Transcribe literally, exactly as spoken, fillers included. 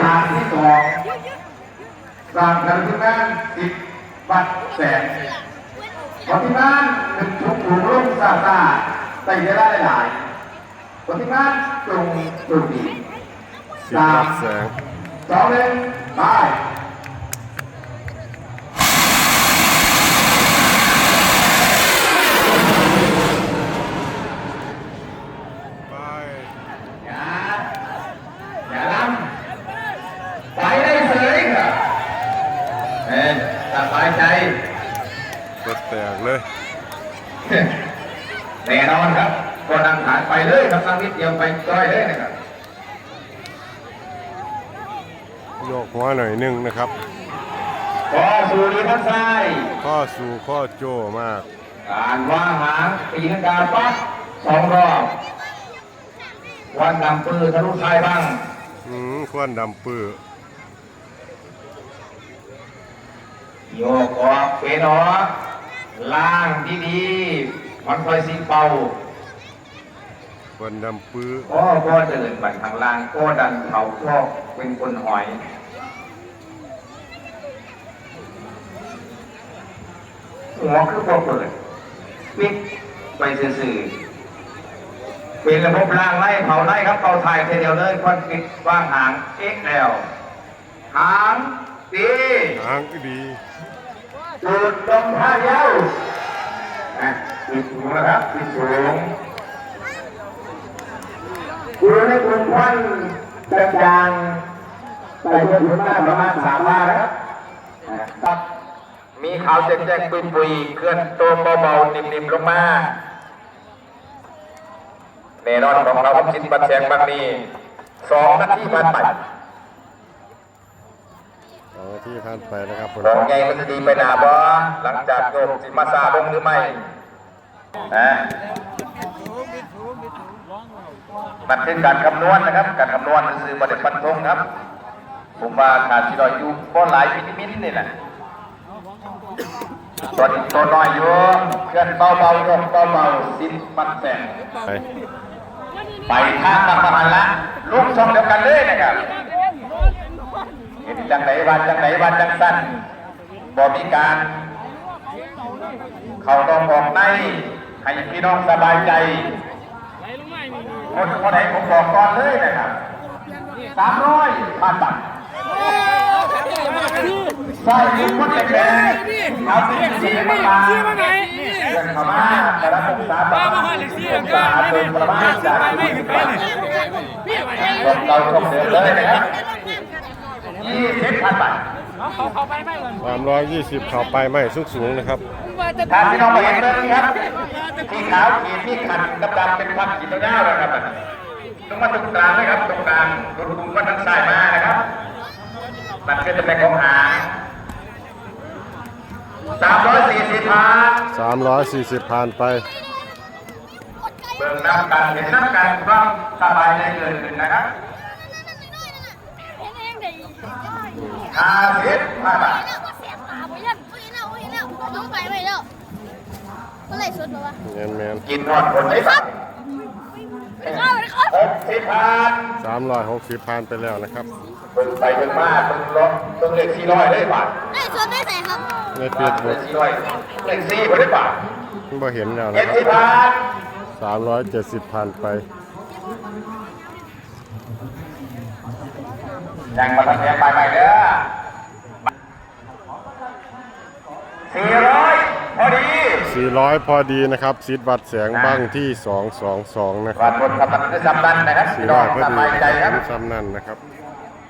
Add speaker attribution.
Speaker 1: าที่สองสร้างกันที่นั่นสิบวัดแสนคนที่นั่นหนึ่งชุกถูกลุ่มซาซาใส่ได้หลายคนที่นั่นตรงตรงดีสามสองหนึ่งไปสบายใจ
Speaker 2: เปิดแตกเลย
Speaker 1: แน่นอนครับก็นั่งฐานไปเลยครับนั่งนิดเดียวไปจ้อยเลยนะครับ
Speaker 2: โยกหัวหน่อยนึงนะครับ
Speaker 1: ข้อสู่ดีท่านซ้าย
Speaker 2: ข้อสู่ข้อโจมาก
Speaker 1: การวางหางปีนังกาปั๊บสองรอบวันดำปืนทะลุท้ายบ้าง
Speaker 2: อืมควันดำปื้อ
Speaker 1: โยกออกเฟนออกล่างดีๆมันคอยสีเป่า
Speaker 2: วันดำปื้อ
Speaker 1: ก็ก็เดินไปทางล่างก็ดันเขาก็เป็นคนหอยหัวคือพอเปิดปิดไปสื่อๆเป็นระบบล่างไล่เผาไล่ครับเป่าถ่ายเดียวเลยควันปิดว่างหางเอ็กแอลหางดี
Speaker 2: หางดี
Speaker 1: จุดตรงท่าเย้าปิดสูงนะครับปิดสูงดูในกลุ่มควันจางๆแต่เยอะถึงมากประมาณสามบาทนะครับมีขาวแจ้งๆปุยๆเคลื่อนตัวเบาๆนิ่มๆลงมาแน่นอนของเราจิตบัดแสงบางนี้สองนาทีผ่านไป
Speaker 2: สองนาทีผ่านไปนะครับ
Speaker 1: มองไงมันจะดีไปหนาบ่หลังจากโยมสิมาซาลงหรือไม่นะมันเป็นการคำนวณนะครับการคำนวณคือประเด็นฟันธงครับผมว่าขาดที่เราอยู่ก็หลายวิตามินนี่แหละตัวตัวน้อยอยู่เคลื่อนเบาเบาโยมเบาเบาสิ้นมันแสงไปข้างประมาณละลูกช่องเดียวกันเลยนะครับเห็นจังไหนวันจังไหนวันจังสั้นบ่มีการเขาต้องบอกในให้พี่น้องสบายใจคนคนไหนผมบอกก่อนเลยนะครับสามร้อยพันบาทใส่ถุงคนแข็งเอาสีสีมาเดินเข้ามาแต่ละองศาบ้างองศาเดินประมาณจากที่สิบบาทเราชมเดินเลยนะครับยี่สิบพันบาท
Speaker 2: สามร้อยยี่สิบเข่าไปไม่สูงสูงนะครับ
Speaker 1: ทางพี่น้องมาเห็นเลยครับที่ขาวขีดที่ขันดำดำเป็นพักขีดยาวๆนะครับตรงมาตรงกลางเลยครับตรงกลางตรงกลุ่มก็ทั้งสายมานะครับมันก็จะเป็นของหางสามร้อยสี่สิบพัน
Speaker 2: สามร้อยสี่สิบพันไป
Speaker 1: เบิ่งน้ำกันเห็นน้ำกันความสบายใจเกินขึ้นนะครับห้าสิบห้าบาทกินนอนคนไหนครับหกสิบพัน
Speaker 2: สามร้อยหกสิบพันไปแล้วนะครับ
Speaker 1: เบิ่งไปเบิ่งมาเบิ่งรถเบิ่งเลขสี่ร้อยได้บาท
Speaker 3: ได้ส่วนได้ไหนครับ
Speaker 2: ในเฟซบุ๊ก
Speaker 1: สี่ร้อยเลขสี่ได้บาท
Speaker 2: บ่เห็นแล้วนะ
Speaker 1: เจ็ดสิบพัน
Speaker 2: สามร้อยเจ็ดสิบพันไป
Speaker 1: ยังมาทำแผนไปใหม่เด้อสี่ร้อยพอดี
Speaker 2: สี่ร้อยพอดีนะครับซีดวัดแสงบ้างที่สองสองสองนะครับ
Speaker 1: วัดบนทำมันได้ซ้ำนั่นนะครับ
Speaker 2: สี่ร้อยพอดีซ้ำนั่นนะครับ